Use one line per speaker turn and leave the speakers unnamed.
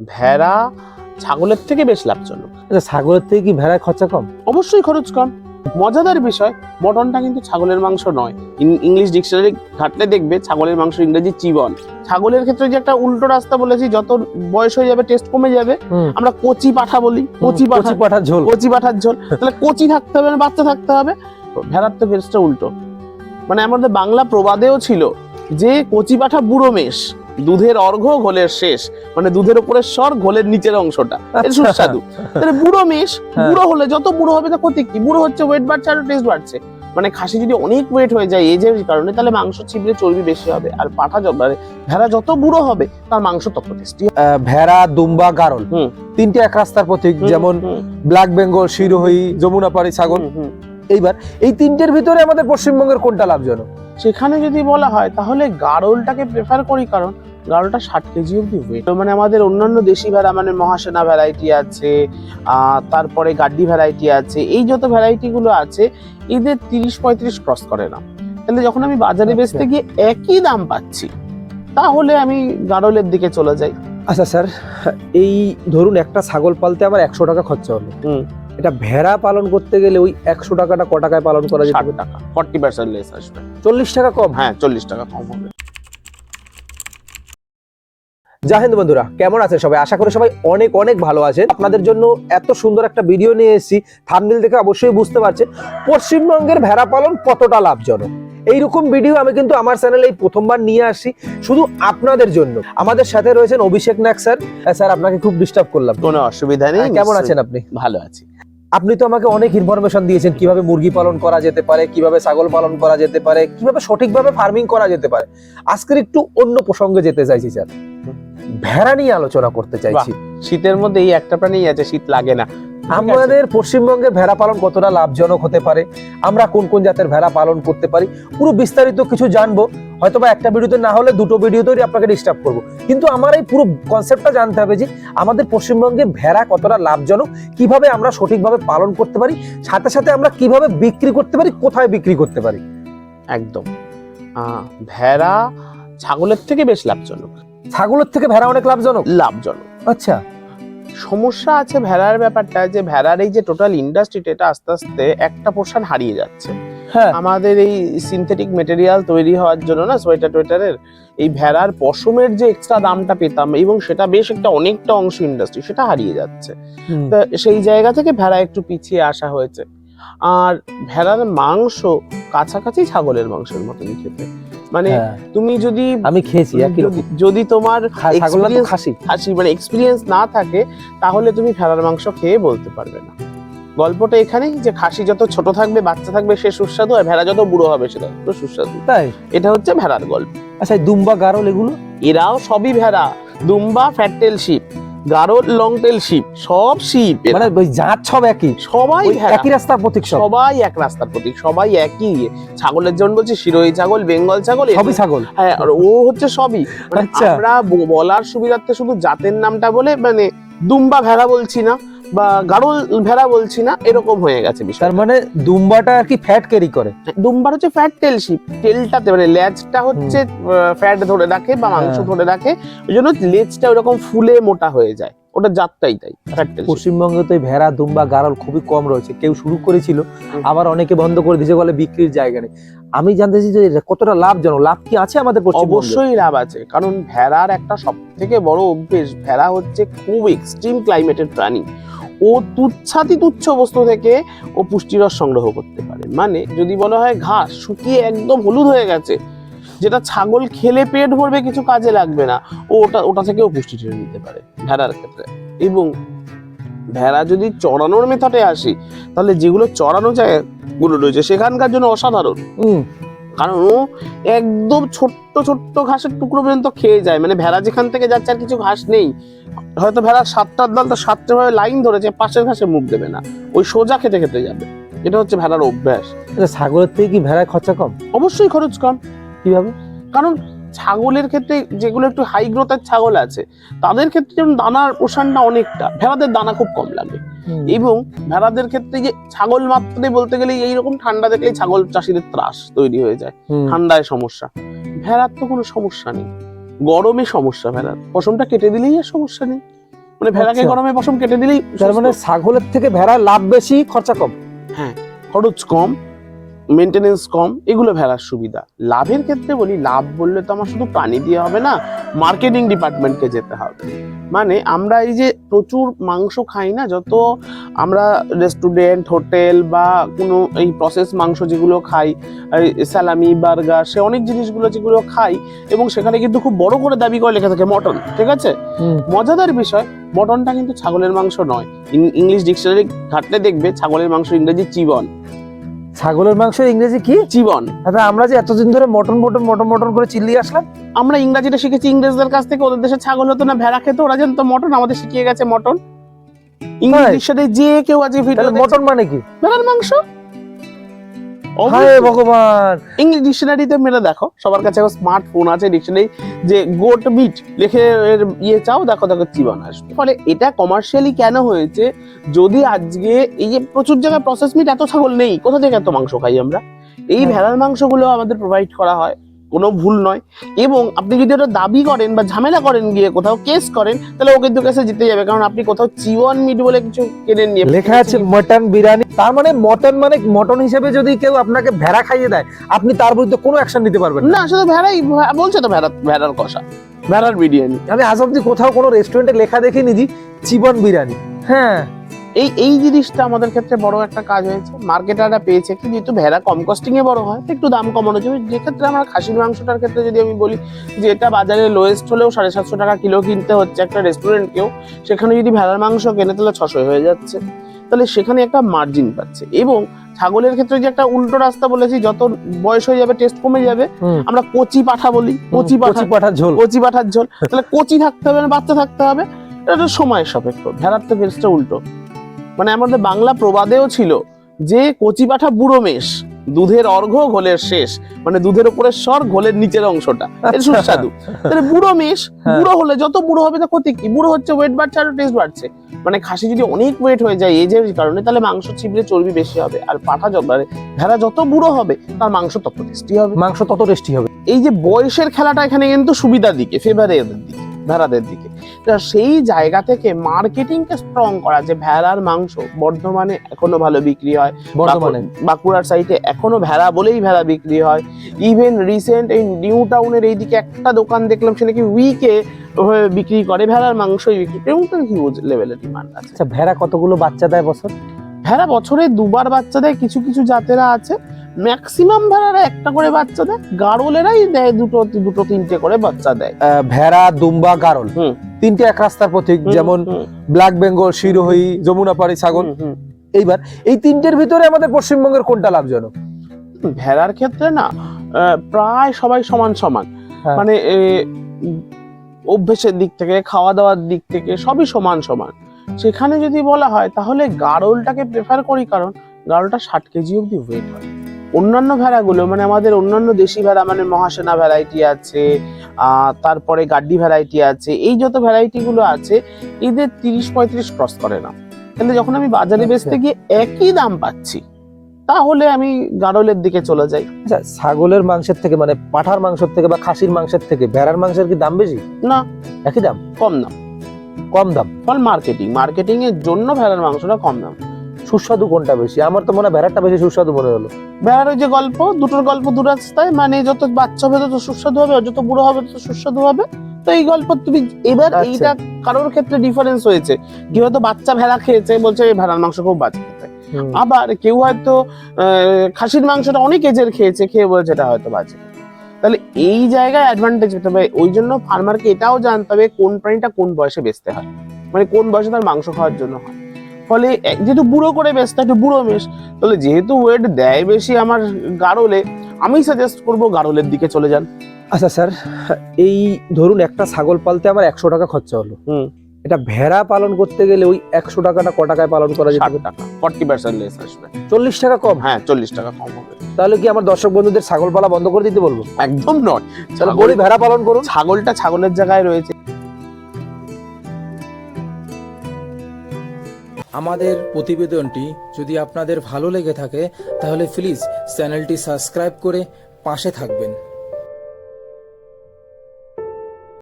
ভেড়া ছাগলের থেকে বেশ লাভজনক।
আচ্ছা, ছাগলের থেকে কি ভেড়ায় খরচা কম?
অবশ্যই খরচ কম। মজাদার বিষয়, মটনটা কিন্তু ছাগলের মাংস নয়। ইংলিশ ডিকশনারি ঘাটলে দেখবে ছাগলের মাংস ইংরেজি চিবন। ছাগলের ক্ষেত্রে যে একটা উল্টো রাস্তা বলেছি, যত বয়স হয়ে যাবে টেস্ট কমে যাবে। আমরা কচি পাঠা বলি, কচি পাঠার ঝোল, কচি পাঠার ঝোল। তাহলে কচি থাকতে হবে না বাচ্চা থাকতে হবে? ভেড়ার তো কেসটা উল্টো। মানে আমাদের বাংলা প্রবাদেও ছিল যে কচি পাঠা বুড়ো মেষ, দুধের অর্ঘ্য ঘোলের শেষ। মানে দুধের উপরের স্বর, ঘোলের নিচের অংশটা সুস্বাদু। তাহলে বুড়ো মেষ, বুড়ো হলে যত বুড়ো হবে তা ক্ষতি কি? বুড়ো হচ্ছে, ওয়েট বাড়ছে আর টেস্ট বাড়ছে। মানে খাসি যদি অনেক ওয়েট হয়ে যায় এজের কারণে, তাহলে মাংস চিবলে চর্বি বেশি হবে। আর পাঠা ভেড়া যত বুড়ো হবে তার মাংস তত টেস্টি।
ভেড়া, দুম্বা, গারল তিনটে এক রাস্তার প্রতীক। যেমন ব্ল্যাক বেঙ্গল, শিরোহী, যমুনাপাড়ি ছাগল। এইবার এই তিনটের ভিতরে আমাদের পশ্চিমবঙ্গের কোনটা লাভজনক?
সেখানে যদি বলা হয় তাহলে গারলটাকে প্রেফার করি, কারণ গারলটা 60 কেজি অব্দি ওয়েট। মানে আমাদের অন্যান্য দেশি ভেড়া, মানে মহাসেনা ভ্যারাইটি আছে, তারপরে গাড্ডি ভ্যারাইটি আছে, এই যত ভ্যারাইটি গুলো আছে এদের 30-35 ক্রস করে না। তাহলে যখন আমি বাজারে বেচতে গিয়ে একই দাম পাচ্ছি, তাহলে আমি গারলের দিকে চলে যাই।
আচ্ছা স্যার, এই ধরুন একটা ছাগল পালতে আমার 100 টাকা খরচা হলো, এটা ভেড়া পালন করতে গেলে ওই 100 টাকাটা ক টাকায় পালন করা যাবে?
60 টাকা, 40% লেস আসবে।
40 টাকা কম?
হ্যাঁ, 40 টাকা কম হবে।
জয় হিন্দ বন্ধুরা, কেমন আছেন সবাই? আশা করি সবাই অনেক অনেক ভালো আছেন। আপনাদের জন্য এত সুন্দর একটা ভিডিও নিয়ে এসেছি, থাম্বনেল দেখে অবশ্যই বুঝতে পারছেন পশ্চিমবঙ্গের ভেড়া পালন কতটা লাভজনক। এইরকম ভিডিও আমি কিন্তু আমার চ্যানেলে এই প্রথমবার নিয়ে আসছি শুধু আপনাদের জন্য। আমাদের সাথে রয়েছেন অভিষেক নাগ স্যার। স্যার, আপনাকে খুব ডিস্টার্ব করলাম?
কোনো অসুবিধা নেই।
কেমন আছেন আপনি?
ভালো আছি।
আপনি তো আমাকে অনেক ইনফরমেশন দিয়েছেন কিভাবে মুরগি পালন করা যেতে পারে, কিভাবে ছাগল পালন করা যেতে পারে, কিভাবে সঠিকভাবে ফার্মিং করা যেতে পারে। আজকের একটু অন্য প্রসঙ্গে যেতে চাইছি স্যার, ভেড়া নিয়ে আলোচনা করতে চাইছি।
শীতের মধ্যে এই একটা প্রাণী আছে, শীত লাগে না।
আমাদের পশ্চিমবঙ্গে ভেড়া পালন কতটা লাভজনক হতে পারে, আমরা কোন কোন জাতের ভেড়া পালন করতে পারি, পুরো বিস্তারিত কিছু জানবো। হয়তো বা একটা ভিডিওতে না হলে দুটো ভিডিওতেই আপনাকে ডিস্টার্ব করবো, কিন্তু আমার এই পুরো কনসেপ্টটা জানতে হবে যে আমাদের পশ্চিমবঙ্গে ভেড়া কতটা লাভজনক, কিভাবে আমরা সঠিকভাবে পালন করতে পারি, সাথে সাথে আমরা কিভাবে বিক্রি করতে পারি, কোথায় বিক্রি করতে পারি।
একদম, ভেড়া ছাগলের থেকে বেশ লাভজনক।
ছাগলের থেকে ভেড়া অনেক লাভজনক? আচ্ছা,
সমস্যা আছে ভেড়ার ব্যাপারটা, যে ভেড়ার এই যে টোটাল ইন্ডাস্ট্রিটা, এটা আস্তে আস্তে একটা পোর্শন হারিয়ে যাচ্ছে। আমাদের এই সিনথেটিক মেটেরিয়াল তৈরি হওয়ার জন্য না, সোয়েটার টোয়েটারের, এই ভেড়ার পশমের যে এক্সট্রা দামটা পেতাম, এবং সেটা বেশ একটা অনেকটা অংশ ইন্ডাস্ট্রি, সেটা হারিয়ে যাচ্ছে। তা সেই জায়গা থেকে ভেড়া একটু পিছিয়ে আসা হয়েছে। আর ভেড়ার মাংস কাছাকাছি ছাগলের মাংসের মতনই খেতে। মানে তুমি যদি,
আমি খেয়েছি,
যদি তোমার খাসি মানে এক্সপিরিয়েন্স না থাকে, তাহলে তুমি ভেড়ার মাংস খেয়ে বলতে পারবে না। গল্পটা এখানেই যে খাসি যত ছোট থাকবে, বাচ্চা থাকবে, সে সুস্বাদু, আর ভেড়া যত বুড়ো হবে সেটা সুস্বাদু।
তাই
এটা হচ্ছে ভেড়ার গল্প।
আচ্ছা, দুম্বা, গারল এগুলো?
এরাও সবই ভেড়া। দুম্বা ফ্যাটটেল শিপ, গারল লং টেল শিপ, সব শিপ।
মানে জাত সব একই,
সবাই
একই রাস্তার প্রতীক,
সবাই এক রাস্তার প্রতীক, সবাই একই। ছাগলের জন্য বলছি শিরোহী ছাগল, বেঙ্গল ছাগল,
সবই ছাগল।
হ্যাঁ, আর ও হচ্ছে সবই। আমরা বলার সুবিধার্থে শুধু জাতের নামটা বলে, মানে দুম্বা ভেড়া বলছি না বা গারল ভেড়া বলছি না, এরকম হয়ে গেছে বিষয়।
তার মানে দুম্বাটা আর কি ফ্যাট ক্যারি করে?
দুম্বার হচ্ছে ফ্যাট টেল শিপ, টেলটাতে মানে লেজটা হচ্ছে ফ্যাট ধরে রাখে বা মাংস ধরে রাখে, ওই জন্য লেজটা ওরকম ফুলে মোটা হয়ে যায়, ওটা জাতটাই তাই।
পশ্চিমবঙ্গে তো ভেড়া, দুম্বা, গারল খুবই কম রয়েছে। কেউ শুরু করেছিল, আবার অনেকে বন্ধ করে দিয়েছে, বলে বিক্রির জায়গা নেই। আমি জানতে চাই যে কতটা লাভজনক, লাভ কি আছে আমাদের পশ্চিমবঙ্গে?
অবশ্যই লাভ আছে, কারণ ভেড়ার একটা সব থেকে বড় অভ্যেস, ভেড়া হচ্ছে খুব এক্সট্রিম ক্লাইমেটের প্রাণী। ও তুচ্ছ বস্তু থেকে ও পুষ্টিরস সংগ্রহ করতে পারে। মানে যদি বলা হয় ঘাস শুকিয়ে একদম হলুদ হয়ে গেছে, যেটা ছাগল খেলে পেট ভরবে, কিছু কাজে লাগবে না, ও ওটা থেকেও পুষ্টি টেনে নিতে পারে ভেড়ার ক্ষেত্রে। এবং ভেড়া যদি চড়ানোর মেথডে আসি, তাহলে যেগুলো চড়ানো জায়গাগুলো রয়েছে সেখানকার জন্য অসাধারণ। কারণ ও একদম ছোট্ট ছোট্ট ঘাসের টুকরো পর্যন্ত খেয়ে যায়। মানে ভেড়া যেখান থেকে যাচ্ছে আর কিছু ঘাস নেই, হয়তো ভেড়া 7টার দল, তো 7টে ভাবে লাইন ধরেছে, পাশের ঘাসে মুখ দেবে না, ওই সোজা খেতে খেতে যাবে। এটা হচ্ছে ভেড়ার অভ্যাস।
ছাগলের থেকে কি ভেড়ায় খরচা কম?
অবশ্যই খরচ কম।
কিভাবে?
কারণ ছাগলের ক্ষেত্রে, যেগুলো একটু হাই গ্রোথের ছাগল আছে, তাদের ক্ষেত্রে যেমন দানার পোষণটা অনেকটা, ভেড়াদের দানা খুব কম লাগে। এবং ভেড়াদের ক্ষেত্রে যে ছাগল মাত্রে বলতে গেলে এইরকম ঠান্ডা দেখলেই ছাগল চাষিদের ত্রাস তৈরি হয়ে যায়, ঠান্ডায় সমস্যা। ভেড়ার তো কোনো সমস্যা নেই, গরমে সমস্যা। ভেড়ার পশমটা কেটে দিলেই আর সমস্যা নেই। মানে ভেড়াকে
আচ্ছা।
গরমে পশম কেটে দিলেই
তার মানে ছাগলের থেকে ভেড়ার লাভ বেশি, খরচা কম।
খরচ কম, মেনটেনেন্স কম, এগুলো ভেড়ার সুবিধা। লাভের ক্ষেত্রে বলি, লাভ বললে তো আমার শুধু প্রাণী দিয়ে হবে না, মার্কেটিং ডিপার্টমেন্টকে যেতে হবে। মানে আমরা এই যে প্রচুর মাংস খাই না, যত আমরা রেস্টুরেন্ট, হোটেল বা কোনো এই প্রসেস মাংস যেগুলো খাই, স্যালামি, বার্গার, সে অনেক জিনিসগুলো যেগুলো খাই, এবং সেখানে কিন্তু খুব বড় করে দাবি করে লেখা থাকে মটন, ঠিক আছে? মজাদার বিষয়, মটনটা কিন্তু ছাগলের মাংস নয়। ইংলিশ ডিকশনারি ঘাটলে দেখবে ছাগলের মাংস ইংরেজি চিবন।
ছাগলের মাংস ইংরেজি কি?
চিবন।
আচ্ছা, আমরা যে এতদিন ধরে মটন মটন মটন মটন করে চিল্লিয়ে আসলাম,
আমরা ইংরেজিটা শিখেছি ইংরেজদের কাছ থেকে। ওদের দেশে ছাগল হতো না, ভেড়া খেতো, ওরা জানতো মটন, আমাদের শিখিয়ে গেছে মটন। ইংলিশ
তাই?
ডিকশনারি যে কেউ আজকে ভিডিও
তাহলে মটন মানে কি?
ভেড়ার মাংস।
হায় ভগবান!
ইংলিশ ডিকশনারিতে মেরে দেখো, সবার কাছে এখন স্মার্টফোন আছে, ডিকশনারি যে গোট মিট লিখে এর ইয়ে চাও, দেখো দেখো চিবন আসবে। ফলে এটা কমার্শিয়ালি কেন হয়েছে? যদি আজকে এই যে প্রচুর জায়গায় প্রসেস মিট, এত ছাগল নেই, কোথা থেকে এত মাংস খাই আমরা? এই ভেড়ার মাংসগুলো আমাদের প্রোভাইড করা হয়, কোনো ভুল নয়। এবং আপনি যদি ওটা দাবি করেন বা ঝামেলা করেন, গিয়ে কোথাও কেস করেন, তাহলে ও কিন্তু কেসে জিতে যাবে, কারণ আপনি কোথাও চিবন মিট বলে কিছু কেনে নিয়ে
লেখা আছে মটন বিরিয়ানি। তার মানে মটন হিসেবে যদি কেউ আপনাকে ভেড়া খাইয়ে দেয়, আপনি তার বিরুদ্ধে কোনো অ্যাকশন নিতে পারবেন না।
না, শুধু ভেড়াই বলছে তো, ভেড়ার কষা, ভেড়ার বিরিয়ানি।
আমি আজ অব্দি কোথাও কোনো রেস্টুরেন্টে লেখা দেখিনি যে চিবন বিরিয়ানি। হ্যাঁ,
এই জিনিসটা আমাদের ক্ষেত্রে বড় একটা কাজ হয়েছে। মার্কেটাররা পেয়েছে কি, যেহেতু ভেড়া কম কস্টিং এ বড় হয়, একটু দাম কমানো যাবে। যে ক্ষেত্রে আমরা খাসির মাংসটার ক্ষেত্রে যদি আমি বলি যে এটা বাজারে লোয়েস্ট হলেও 750 টাকা কিলো কিনতে হচ্ছে একটা রেস্টুরেন্টকেও, সেখানে যদি ভেড়ার মাংস কেনে তাহলে 600 হয়ে যাচ্ছে। তাহলে সেখানে একটা মার্জিন পাচ্ছে। এবং ছাগলের ক্ষেত্রে যে একটা উল্টো রাস্তা বলেছি, যত বয়স হয়ে যাবে টেস্ট কমে যাবে। আমরা কচি পাঠা বলি, কচি
পাঠার ঝোল।
কচি পাঠার ঝোল। তাহলে কচি থাকতে হবে না, বাচ্চা থাকতে হবে, এটা সময়ের সাপেক্ষ। ভেড়ার তো কেসটা উল্টো। মানে আমাদের বাংলা প্রবাদেও ছিল যে কচি পাঠা বুড়ো মেষ, দুধের অর্ঘ্য ঘোলের শেষ। মানে দুধের উপরের স্বর, ঘোলের নিচের অংশটা এর সুস্বাদু। তাহলে বুড়ো মেষ, বুড়ো হলে যত বুড়ো হবে তা ক্ষতি কি? বুড়ো হচ্ছে, ওয়েট বাড়ছে আর টেস্ট বাড়ছে। মানে খাসি যদি অনেক ওয়েট হয়ে যায় এজের কারণে, তাহলে মাংস চিবড়ে চর্বি বেশি হবে। আর পাঠা ভেড়া যত বুড়ো হবে তার মাংস তত টেস্টি হবে।
মাংস তত টেস্টি হবে।
এই যে বয়সের খেলাটা এখানে কিন্তু সুবিধার দিকে, ফেভারের দিকে, ভেড়াদের দিকে। সেই জায়গা থেকে মার্কেটিংকে স্ট্রং করা, যে ভেড়ার মাংস বর্ধমানে এখনো ভালো বিক্রি হয়,
বর্ধমানে
বাঁকুড়ার সাইডে এখনো ভেড়া বলেই ভেড়া বিক্রি হয়। ইভেন রিসেন্ট এই নিউ টাউনের এইদিকে একটা দোকান দেখলাম, সে নাকি উইকে বিক্রি করে ভেড়ার মাংসই বিক্রি করে, এবং তার হিউজ লেভেলের ডিমান্ড আছে।
আচ্ছা, ভেড়া কতগুলো বাচ্চা দেয় বছর?
ভেড়া বছরে 2বার বাচ্চা দেয়। কিছু কিছু জাতেরা আছে ম্যাক্সিমাম ভেড়ারা একটা করে বাচ্চা দেয়, গাড়লেরাই দেয় দুটো 3টে করে বাচ্চা দেয়।
ভেড়া, দুম্বা, গাড়ল, তিনটে এক রাস্তার প্রতীক। যেমন ব্ল্যাক বেঙ্গল, শিরোহী, যমুনাপাড়ি ছাগল। এইবার এই তিনটের ভিতরে আমাদের পশ্চিমবঙ্গের কোনটা লাভজনক?
ভেড়ার ক্ষেত্রে না প্রায় সবাই সমান সমান। মানে অভ্যেসের দিক থেকে, খাওয়া দাওয়ার দিক থেকে সবই সমান সমান। সেখানে যদি বলা হয় তাহলে গাড়লটাকে প্রেফার করি, কারণ গাড়লটা 60 কেজি অব্দি ওয়েট হয়। অন্যান্য ভেড়াগুলো, মানে আমাদের অন্যান্য দেশি ভেড়া, মানে মহাসেনা ভ্যারাইটি আছে, তারপরে গাড্ডি ভ্যারাইটি আছে, এই যত ভ্যারাইটি গুলো আছে, এদের 30-35 ক্রস করে না। কিন্তু যখন আমি বাজারে বেচতে গিয়ে একই দাম পাচ্ছি, তাহলে আমি গাড়লের দিকে চলে যাই।
আচ্ছা, ছাগলের মাংসের থেকে, মানে পাঠার মাংসের থেকে বা খাসির মাংসের থেকে ভেড়ার মাংসের কি দাম বেশি?
না,
একই দাম,
কম দাম।
কম দাম।
ফল মার্কেটিং এর জন্য ভেড়ার মাংসটা কম দাম।
সুস্বাদু কোনটা বেশি? আমার তো মনে হয় ভেড়ারটা বেশি সুস্বাদু মনে হলো।
ভেড়ার ওই যে গল্প, দুটোর গল্প দু রাস্তায়, মানে যত বাচ্চা হবে তত সুস্বাদু হবে, আর যত বুড়ো হবে তত সুস্বাদু হবে। তো এই গল্প তুমি এবার এইটা কারোর ক্ষেত্রে ডিফারেন্স হয়েছে। কেউ হয়তো বাচ্চা ভেড়া খেয়েছে, বলছে ভেড়ার মাংস খুব বাজে খেতে। আবার কেউ হয়তো খাসির মাংসটা অনেক এজের খেয়েছে, খেয়ে বলছে এটা হয়তো বাজে। তাহলে এই জায়গায় অ্যাডভান্টেজ পেতে হবে। ওই জন্য ফার্মারকে এটাও জানতে হবে কোন প্রাণীটা কোন বয়সে বেচতে হয়, মানে কোন বয়সে তার মাংস খাওয়ার জন্য হয়। ফলে যেহেতু বুড়ো করে বেচতে, একটু বুড়ো মেষ, তাহলে যেহেতু ওয়েট দেয় বেশি আমার গাড়লে, আমি সাজেস্ট করবো গাড়লের দিকে চলে যান।
আচ্ছা স্যার, এই ধরুন একটা ছাগল পালতে আমার 100 টাকা খরচা হলো, এটা ভেড়া পালন করতে গেলে ওই 100 টাকাটা ক টাকায় পালন করা যেতে পারে?
60 টাকা, 40% লেস আসবে।
40 টাকা কম?
হ্যাঁ, 40 টাকা কম হবে।
তাহলে কি আমার দর্শক বন্ধুদের ছাগল পালা বন্ধ করে দিতে বলবো?
একদম নয়,
তাহলে বলি ভেড়া পালন করুন।
ছাগলটা ছাগলের জায়গায় রয়েছে।
আমাদের প্রতিবেদনটি যদি আপনাদের ভালো লেগে থাকে তাহলে প্লিজ চ্যানেলটি সাবস্ক্রাইব করে পাশে থাকবেন।